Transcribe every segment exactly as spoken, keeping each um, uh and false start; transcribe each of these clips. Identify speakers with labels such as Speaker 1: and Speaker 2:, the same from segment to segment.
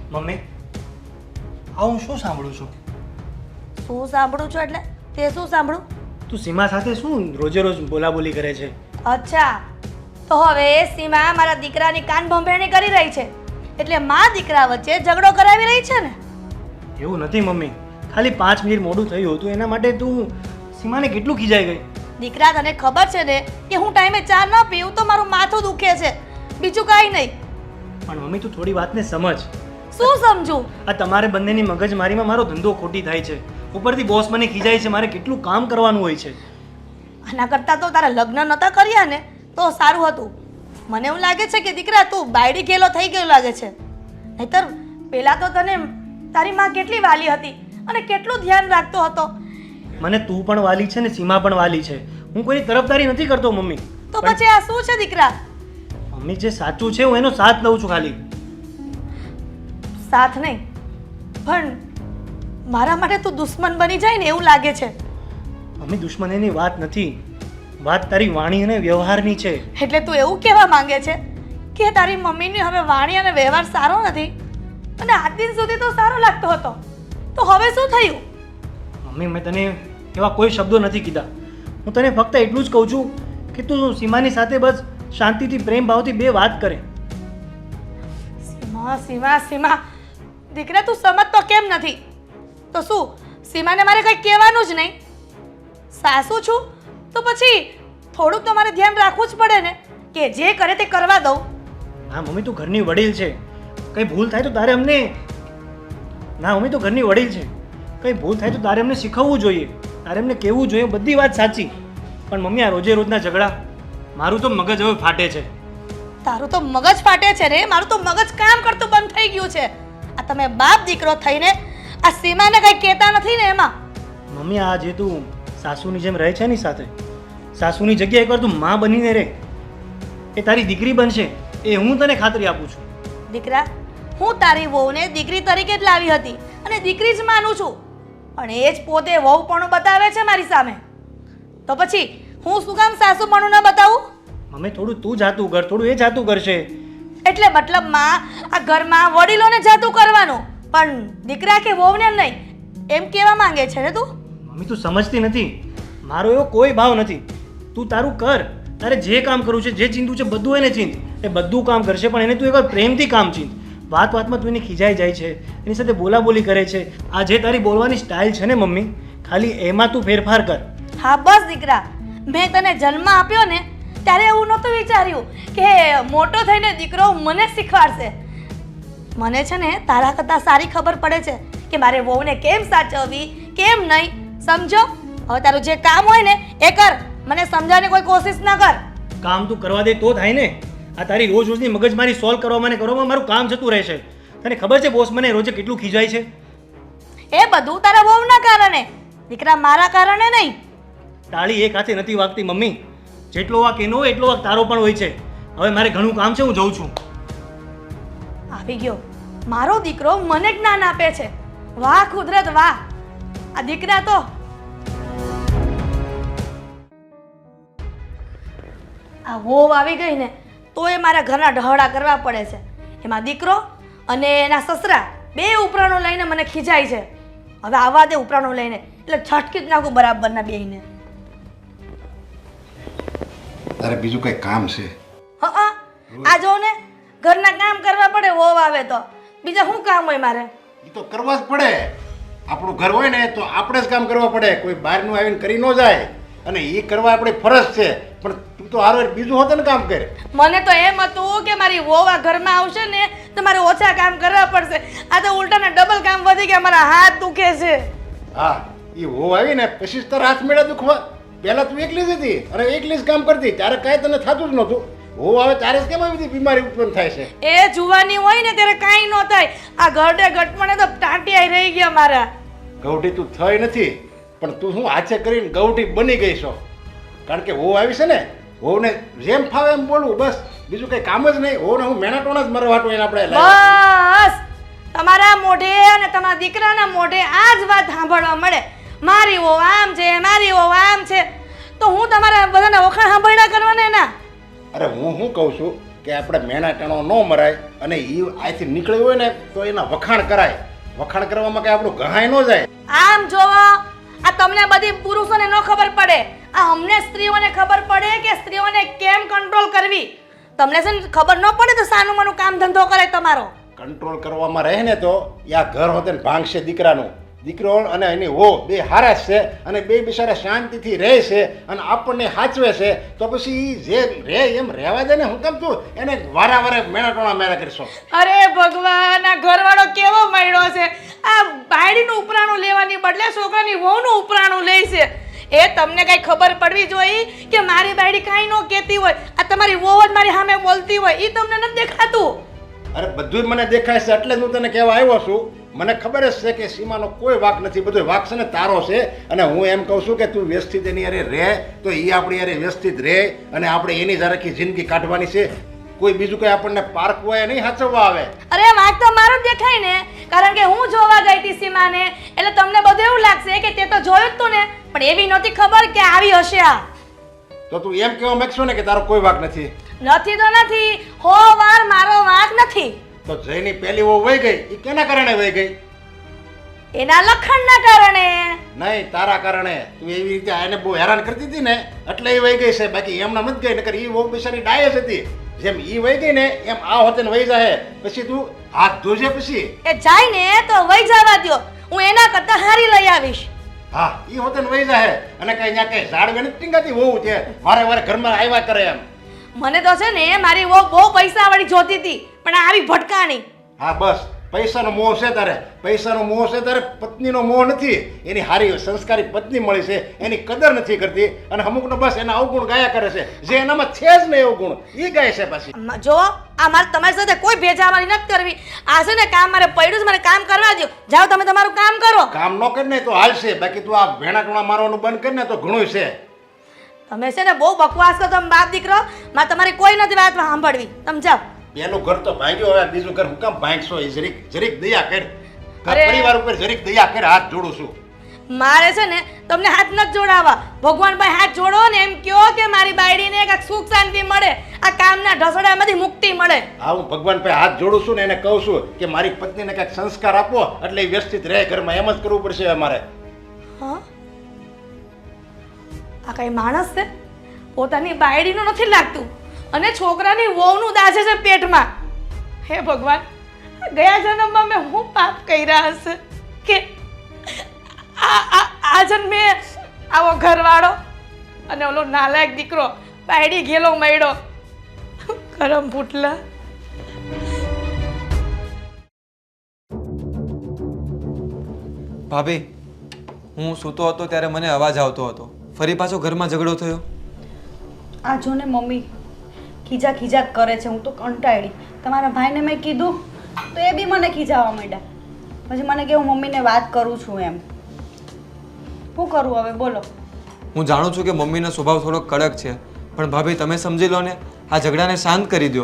Speaker 1: Mummy આ હું શું સાંભળું છું?
Speaker 2: શું સાંભળું છું એટલે તે શું સાંભળું?
Speaker 1: તું સીમા સાથે શું રોજે રોજ બોલાબોલી કરે છે?
Speaker 2: અચ્છા, તો હવે સીમા મારા દીકરાની કાન ભંભેરણી કરી રહી છે એટલે મા દીકરા વચ્ચે ઝઘડો કરાવી રહી છે ને?
Speaker 1: એવું નથી મમ્મી, ખાલી પાંચ મિનિટ મોડું થયું હતું એના માટે તું સીમાને કેટલું ખીજાઈ ગઈ.
Speaker 2: દીકરા, તને ખબર છે ને કે હું ટાઈમે ચા ન પીઉં તો મારું માથું દુખે છે, બીજું કાંઈ નહીં.
Speaker 1: પણ મમ્મી તું થોડી વાતને સમજ.
Speaker 2: શું સમજું?
Speaker 1: આ તમારે બંનેની મગજમારીમાં મારો ધંધો ખોટી થાય છે. ઉપરથી બોસ મને ખીજાય છે, મારે કેટલું કામ કરવાનું હોય છે.
Speaker 2: આના કરતાં તો તારા લગ્ન નહોતા કર્યા ને તો સારું હતું. મને એવું લાગે છે કે દીકરા તું બાયડી ગેલો થઈ ગયો લાગે છે. નહીતર પહેલા તો તને તારી માં કેટલી વાલી હતી અને કેટલું ધ્યાન રાખતો હતો.
Speaker 1: મને તું પણ વાલી છે ને સીમા પણ વાલી છે. હું કોઈની તરફદારી નથી કરતો મમ્મી.
Speaker 2: તો પછી આ શું છે દીકરા?
Speaker 1: મમ્મી જે સાચું છે હું એનો સાથ લઉં છું ખાલી.
Speaker 2: સાથ નહીં પણ મારા માટે તું દુશ્મન બની જાય ને એવું લાગે છે.
Speaker 1: મમ્મી દુશ્મનીની વાત નથી, વાત તારી વાણી અને વ્યવહારની છે.
Speaker 2: એટલે તું એવું કહેવા માંગે છે કે તારી મમ્મીની હવે વાણી અને વ્યવહાર સારો નથી અને આજ દિન સુધી તો સારો લાગતો હતો, તો હવે શું થયું?
Speaker 1: મમ્મી મેં તને એવા કોઈ શબ્દો નથી કીધા. હું તને ફક્ત એટલું જ કહું છું કે તું સીમાની સાથે બસ શાંતિથી પ્રેમ ભાવથી બે વાત કરે.
Speaker 2: સીમા સીમા સીમા દીકરા તું સમજતો કેમ નથી? તો શું સીમાને મારે કંઈ કહેવાનું જ નહીં? સાસુ છું તો પછી થોડુંક તો મારે ધ્યાન રાખવું જ પડે ને કે જે કરે તે કરવા દઉં.
Speaker 1: હા મમ્મી તું ઘરની વડીલ છે, કંઈ ભૂલ થાય તો તારે અમને ના મમ્મી તું ઘરની વડીલ છે, કંઈ ભૂલ થાય તો તારે અમને શીખવવું જોઈએ, તારે અમને કહેવું જોઈએ. બધી વાત સાચી, પણ મમ્મી આ રોજે રોજના ઝઘડા મારું તો મગજ હવે ફાટે છે.
Speaker 2: તારું તો મગજ ફાટે છે રે, મારું તો મગજ કામ કરતું બંધ થઈ ગયું છે. આ તમે બાપ દીકરો થઈને આ સીમાને કંઈ કહેતા નથી ને એમાં.
Speaker 1: મમ્મી આ જે તું સાસુની જેમ રહે છે ની સાથે, સાસુની જગ્યાએ એકવાર તું માં બનીને રહે. એ તારી દીકરી બનશે એ હું તને ખાતરી આપું છું.
Speaker 2: દીકરા, હું તારી વહુને દીકરી તરીકે જ લાવી હતી અને દીકરી જ માનું છું, પણ એ જ પોતે વહુપણું બતાવે છે મારી સામે. તો પછી હું શું કામ સાસુપણું ન બતાવું?
Speaker 1: મમ્મી થોડું તું જાતું કર, થોડું એ જાતું કરશે.
Speaker 2: એટલે મતલબમાં આ ઘરમાં વડીલોને જાતું કરવાનું પણ દીકરા કે વહુને નહીં એમ કહેવા માંગે છે ને તું?
Speaker 1: મમ્મી તું સમજતી નથી, મારો એવો કોઈ ભાવ નથી. તું તારું કર, તારે જે કામ કરવું છે, જે ચીંધું છે બધું એને ચીંધ. એ બધું કામ કરશે પણ એને તું એકવાર પ્રેમથી કામ ચીંધ. વાત વાતમાં તું એને ખીજાઈ જાય છે, એની સાથે બોલાબોલી કરે છે. આ જે તારી બોલવાની સ્ટાઇલ છે ને મમ્મી, ખાલી એમાં તું ફેરફાર કર.
Speaker 2: હા બસ દીકરા, મેં તને જન્મ આપ્યો ને ત્યારે એવું નહોતું વિચાર્યું કે મોટો થઈને દીકરો મને શીખવાડશે. મને છે ને તારા કરતાં સારી ખબર પડે છે કે મારે વહુને કેમ સાચવવી કેમ નહીં. સમજો? હવે તારું જે કામ હોય ને એ કર, મને સમજાવવાની કોઈ કોશિશ ના કર.
Speaker 1: કામ તું કરવા દે તો થાય ને. આ તારી રોજ રોજની મગજમારી સોલ્વ કરવામાં ને કરવામાં મારું કામ જતું રહેશે. તને ખબર છે બોસ મને રોજે કેટલું ખીજાય છે?
Speaker 2: એ બધું તારા વહુના કારણે દીકરા, મારા કારણે નહીં.
Speaker 1: તાળી એક હાથે નથી વાગતી મમ્મી. જેટલો વાક એનો હોય એટલો વાક તારો પણ હોય છે. હવે મારે ઘણું કામ છે, હું જઉં છું.
Speaker 2: આવી ગયો મારો દીકરો, મને જ્ઞાન આપે છે. વાહ કુદરત વાહ! આ દીકરા તો આ વહુ આવી ગઈ ને તો એ મારા ઘરના ઢહડા કરવા પડે છે. એમાં દીકરો અને એના સસરા બે ઉપરાણો લઈને મને ખીજાય છે. હવે આવા દે ઉપરાણો લઈને એટલે છટકી જ નાખું બરાબરના બેયને.
Speaker 3: તારે બીજું કઈ કામ છે?
Speaker 2: હા આ જો ને ઘરના કામ કરવા પડે વહુ આવે તો, બીજા શું કામ હોય મારે?
Speaker 3: એ તો કરવા જ પડે. આપણું ઘર હોય ને તો આપણે જ કામ કરવા પડે, કોઈ બહારનું આવીને કરી ન જાય. અને એ કરવા આપણી ફરજ છે, પણ તું તો હારો બીજું હોત ને કામ કરે.
Speaker 2: મને તો એમ હતું કે મારી વહુ આ ઘરમાં આવશે ને તો મારે ઓછા કામ કરવા પડશે. આ તો ઉલટાના ડબલ કામ વધી ગયા, મારા હાથ દુખે છે.
Speaker 3: હા એ હો આવી ને પછી તારા હાથ મેળા દુખવા. પહેલા તું એકલી જ હતી અને એકલી જ કામ કરતી, ત્યારે કાંઈ તને થતું જ નહોતું. હો આવે ત્યારે જ કેમ આવી બધી બીમારી ઉત્પન્ન થાય છે?
Speaker 2: એ જુવાની હોય ને ત્યારે કાંઈ ન થાય. આ ગરડે ગટમણે તો ટાંટિયા રહી ગયા મારા.
Speaker 3: ગૌઠી તું થઈ નથી, પણ તું શું હાથે કરીને ગૌઠી બની ગઈ છો. કારણ કે હો આવી છે ને, હોને જેમ ફાવે એમ બોલવું બસ, બીજું કંઈ કામ જ નહીં. હોને હું મેણા ટોણા જ મારા વાટો એને આપણે
Speaker 2: બસ તમારા મોઢે અને તમારા દીકરાના મોઢે આ જ વાત સાંભળવા મળે. મારી વહુ આમ છે, મારી વહુ આમ છે, તો હું તમારા બધાના વખાણ સાંભળ્યા કરવાના ના?
Speaker 3: અરે હું શું કહું છું કે આપણે મેણા ટાણો ન મરાય, અને એ અહીંથી નીકળ્યું હોય ને તો એના વખાણ કરાય. વખાણ કરવામાં કંઈ આપણું ગહાય ન જાય.
Speaker 2: આમ જોવો, આ તમને બધી પુરુષોને ન ખબર પડે, આ અમને સ્ત્રીઓને ખબર પડે કે સ્ત્રીઓને કેમ કંટ્રોલ કરવી. તમને છે ને ખબર ન પડે તો સાનું મનું કામ ધંધો કરે તમારો.
Speaker 3: કંટ્રોલ કરવામાં રહે ને તો એ આ ઘર હોતે ને ભાંગશે દીકરાનું. દીકરો અને એની હો બે હારા જ છે અને બે બિચારા શાંતિથી રહે છે અને આપણને સાચવે છે. તો પછી ઈ જે રહે એમ રહેવા દે ને. હું કેમ તું એને વારા વારે મેણા ટોણા મેળા કરશો?
Speaker 2: અરે ભગવાન, આ ઘરવાળો કેવો મળ્યો છે! આ બાયડીનું ઉપરાણું લેવાની બદલે છોકરાની વહુનું ઉપરાણું લે છે. એ તમને કઈ ખબર પડવી જોઈએ કે મારી બાયડી કાંઈ ન કહેતી હોય, આ તમારી વહુ જ મારી સામે બોલતી હોય, એ તમને નથી દેખાતું?
Speaker 3: અરે બધું જ મને દેખાય છે એટલે જ હું તને કહેવા આવ્યો છું. મને ખબર જ છે કે સીમાનો કોઈ વાક નથી, બધો વાક છે ને તારો છે. અને હું એમ કહું છું કે તું વ્યવસ્થિત એની અરે રહે તો એ આપણી અરે વ્યવસ્થિત રહે અને આપણે એની જ આખી જિંદગી કાઢવાની છે. કોઈ બીજું કંઈ આપણને પાર્ક હોય નહીં સાચવવા આવે.
Speaker 2: અરે વાક તો મારો જ દેખાય ને, કારણ કે હું જોવા ગઈ હતી સીમાને, એટલે તમને બધું એવું લાગશે કે તે તો જોયું જ તું ને, પણ એવી નહોતી ખબર કે આવી હશે આ.
Speaker 3: તો તું એમ કહેવા માંગશો ને કે તારો કોઈ વાક નથી?
Speaker 2: નથી તો નથી, હો વાર મારો વાક નથી.
Speaker 3: તો જયની પહેલી વો વહી ગઈ એ કેના કારણે વહી ગઈ?
Speaker 2: એના લખણના કારણે.
Speaker 3: નહીં, તારા કારણે. તું એવી રીતે આને બહુ હેરાન કરતી હતી ને એટલે એ વહી ગઈ છે. બાકી એમના મત ગઈ, નકર એ બહુ બિચારી ડાયસ હતી. જેમ ઈ વહી ગઈ ને એમ આ હોતે ને વહી જાય. પછી તું હાથ ધોજે. પછી
Speaker 2: એ જાય ને તો વહી જવા દ્યો, હું એના કરતા હારી લઈ આવીશ.
Speaker 3: હા, ઈ હોતે ને વહી જાય. અને કઈ ત્યાં કઈ ઝાડવે નથી ટીંગાતી વહુ છે, વારે વારે ઘરમાં આવ્યા કરે એમ.
Speaker 2: મને તો છે ને મારી વહુ બહુ પૈસા વાળી જોતી હતી, પણ આવી ભટકાણી.
Speaker 3: હા બસ, પૈસાનો મોહ છે તારે. પૈસાનો મોહ છે તારે, પત્નીનો મોહ નથી. એની હારી સંસ્કારી પત્ની મળી છે, એની કદર નથી કરતી અને અમુકનો બસ એના અવગુણ ગાયા કરે છે. જે એનામાં છે જ નહીં અવગુણ, એ ગાય છે પાછી.
Speaker 2: જો આ મારે તમારી સાથે કોઈ ભેજાવાની નથી કરવી. આ છે ને કામ મારે પડ્યું છે, મારે કામ કરવા દો. જાઓ તમે તમારું કામ કરો.
Speaker 3: કામ ન કરે ને તો હાલશે, બાકી તું આ ભેણા ટોણા મારવાનું બંધ કરી ને તો ઘણું છે.
Speaker 2: તમે છે ને બહુ બકવાસ કરો તમે બાપ દીકરો. મારે તમારી કોઈ નથી વાત સાંભળવી. તમે જાઓ.
Speaker 3: પેલું ઘર તો ભાંગ્યું, હવે બીજું ઘર હું કામ ભાંગશો? એ જરીક જરીક દયા કર. ઘર
Speaker 2: અરે.
Speaker 3: પરિવાર ઉપર જરીક દયા કર. હાથ જોડું છું.
Speaker 2: મારે છે ને તમને હાથ નથી જોડાવા. ભગવાન ભાઈ હાથ જોડો ને એમ કહો કે મારી બાયડીને કાંઈક સુખ શાંતિ મળે, આ કામના ઢસડામાંથી મુક્તિ મળે.
Speaker 3: હા, હું ભગવાન પાસે હાથ જોડું છું ને એને કહું છું કે મારી પત્નીને કાંઈક સંસ્કાર આપો એટલે એ વ્યવસ્થિત રહે ઘરમાં. એમ જ કરવું પડશે અમારે.
Speaker 2: હા, આ કઈ માણસ છે? પોતાની બાયડીનું નથી લાગતું અને છોકરાની વહુનું દાજે છે પેટમાં. હે ભગવાન, ગયા જન્મમાં મેં હું પાપ કર્યા હશે કે આ આ આ જન્મે આવો ઘરવાળો અને ઓલો નાલાયક દીકરો બાયડી ગેલો મળ્યો. ગરમ ફૂટલા.
Speaker 4: ભાભી, હું સૂતો હતો ત્યારે મને અવાજ આવતો હતો. ફરી પાછો ઘરમાં ઝઘડો થયો.
Speaker 5: આ જો ને મમ્મી ખીજા ખીજા જ કરે છે. હું તો કંટાળી. તમારા ભાઈને મેં કીધું તો એ બી મને ખીજાવા માંડ્યા. પછી મને કે હું મમ્મીને વાત કરું છું એમ. શું કરું હવે બોલો?
Speaker 4: હું જાણું છું કે મમ્મીનો સ્વભાવ થોડો કડક છે, પણ ભાભી તમે સમજી લો ને, આ ઝઘડાને શાંત કરી દો.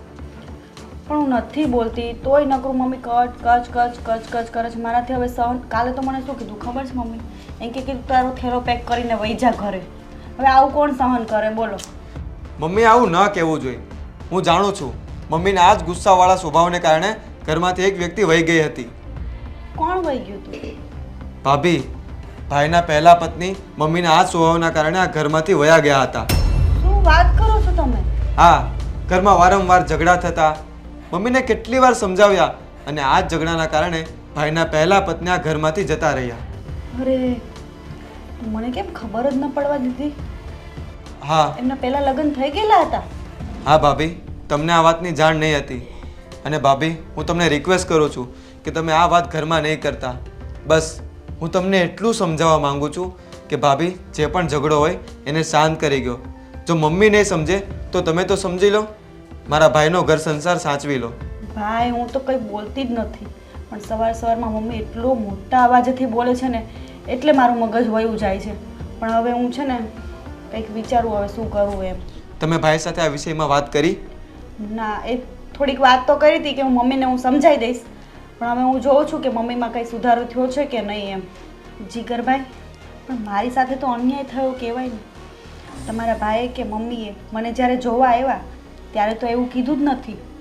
Speaker 5: પણ હું નથી બોલતી તોય નકરું મમ્મી કચ કચ કચ કચ કચ કરે છે. મારાથી હવે સહન. કાલે તો મને શું કીધું ખબર છે મમ્મી? એમ કે કીધું તારો થેલો પેક કરીને વહી જા ઘરે. હવે આવું કોણ સહન કરે બોલો?
Speaker 4: મમ્મી આવું ન કહેવું જોઈએ. હું જાણું છું મમ્મીના આ જ ગુસ્સાવાળા સ્વભાવને કારણે ઘરમાંથી એક વ્યક્તિ વહી ગઈ હતી.
Speaker 5: કોણ વહી ગયું તું?
Speaker 4: ભાભી, ભાઈના પહેલા પત્ની મમ્મીના આ જ સ્વભાવના કારણે આ ઘરમાંથી વયા ગયા હતા.
Speaker 5: શું વાત કરો છો તમે?
Speaker 4: હા, ઘરમાં વારંવાર ઝઘડા થતા. મમ્મીને કેટલી વાર સમજાવ્યા અને આ જ ઝઘડાના કારણે ભાઈના પહેલા પત્ની આ ઘરમાંથી જતા રહ્યા.
Speaker 5: અરે, મને કેમ ખબર જ ન પડવા દીધી?
Speaker 4: હા
Speaker 5: એમના પહેલા લગ્ન થઈ ગયેલા હતા?
Speaker 4: હા ભાભી, તમને આ વાતની જાણ નહીં હતી. અને ભાભી, હું તમને રિક્વેસ્ટ કરું છું કે તમે આ વાત ઘરમાં નહીં કરતા. બસ હું તમને એટલું સમજાવવા માંગુ છું કે ભાભી, જે પણ ઝઘડો હોય એને શાંત કરી ગયો. જો મમ્મી નહીં સમજે તો તમે તો સમજી લો. મારા ભાઈનો ઘર સંસાર સાચવી લો.
Speaker 5: ભાઈ, હું તો કંઈ બોલતી જ નથી, પણ સવાર સવારમાં મમ્મી એટલો મોટા અવાજેથી બોલે છે ને એટલે મારું મગજ વયું જાય છે. પણ હવે હું છે ને કંઈક વિચારું હવે શું કરવું એમ.
Speaker 4: તમે ભાઈ સાથે આ વિષયમાં વાત કરી?
Speaker 5: ના, એ થોડીક વાત તો કરી હતી કે હું મમ્મીને હું સમજાવી દઈશ, પણ હવે હું જોઉં છું કે મમ્મીમાં કંઈ સુધારો થયો છે કે નહીં એમ. જીગરભાઈ, પણ મારી સાથે તો અન્યાય થયો કહેવાય ને. તમારા ભાઈએ કે મમ્મીએ મને જ્યારે જોવા આવ્યા ત્યારે તો એવું કીધું જ નથી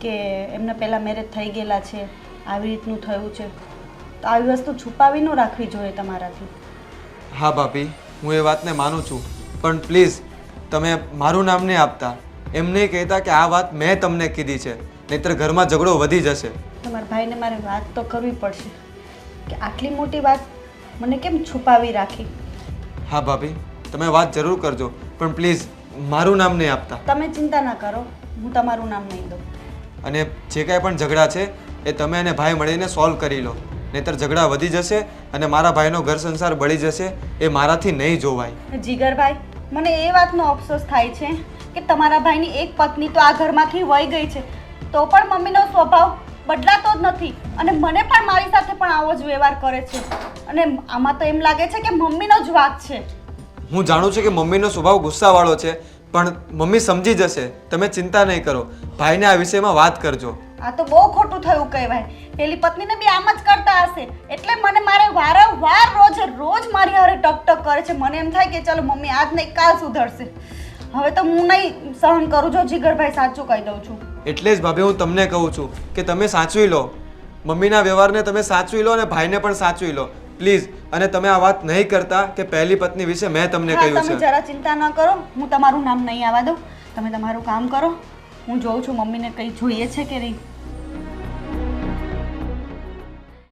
Speaker 5: કે એમને પહેલાં મેરેજ થઈ ગયેલા છે, આવી રીતનું થયું છે, તો આવી વસ્તુ છુપાવી ન રાખવી જોઈએ તમારાથી.
Speaker 4: હા ભાભી, હું એ વાતને માનું છું, પણ પ્લીઝ તમે મારું નામ નહીં આપતા. એમ નહીં કહેતા કે આ વાત મેં તમને કીધી છે, નહીંતર ઘરમાં ઝઘડો વધી જશે.
Speaker 5: તમારા ભાઈને મારે વાત તો કરવી પડશે કે આટલી મોટી વાત મને કેમ છુપાવી રાખી.
Speaker 4: હા ભાભી, તમે વાત જરૂર કરજો, પણ પ્લીઝ મારું નામ નહીં આપતા.
Speaker 5: તમે ચિંતા ના કરો, હું તમારું નામ નહીં દઉં.
Speaker 4: અને જે કાંઈ પણ ઝઘડા છે એ તમે અને ભાઈ મળીને સોલ્વ કરી લો, નહીંતર ઝઘડા વધી જશે અને મારા ભાઈનો ઘર સંસાર બળી જશે. એ મારાથી નહીં જોવાય.
Speaker 5: જીગરભાઈ, મને એ વાતનો અફસોસ થાય છે કે તમારા ભાઈની એક પત્ની તો આ ઘરમાંથી વહી ગઈ છે, તો પણ મમ્મીનો સ્વભાવ બદલાતો જ નથી અને મને પણ મારી સાથે પણ આવો જ વ્યવહાર કરે છે. અને આમાં તો એમ લાગે છે કે મમ્મીનો જ વાંક છે.
Speaker 4: હું જાણું છું કે મમ્મીનો સ્વભાવ ગુસ્સાવાળો છે, પણ મમ્મી સમજી જશે. તમે ચિંતા નહીં કરો, ભાઈને આ વિષયમાં વાત કરજો.
Speaker 5: આ તો બહુ ખોટું થયું કહેવાય. પેલી પત્નીને બી આમ જ કરતા હશે, એટલે મને મારે વારંવાર રોજ રોજ મારી હારે ટક ટક કરે છે. મને એમ થાય કે ચાલો મમ્મી આજ નહીં કાલ સુધરશે. હવે તો હું નહીં સહન કરું. જો જીગરભાઈ, સાચું કહી દઉં છું.
Speaker 4: એટલે જ ભાભી હું તમને કહું છું કે તમે સાચવી લો, મમ્મીના વ્યવહારને તમે સાચવી લો અને ભાઈને પણ સાચવી લો પ્લીઝ. અને તમે આ વાત નહીં કરતા કે પહેલી પત્ની વિશે મેં તમને
Speaker 5: હા,
Speaker 4: કહ્યું
Speaker 5: તમે
Speaker 4: છે.
Speaker 5: જરા ચિંતા ન કરો, હું તમારું નામ નહીં આવવા દઉં. તમે તમારું કામ કરો, હું જોઉં છું મમ્મીને કંઈ જોઈએ છે કે નહીં.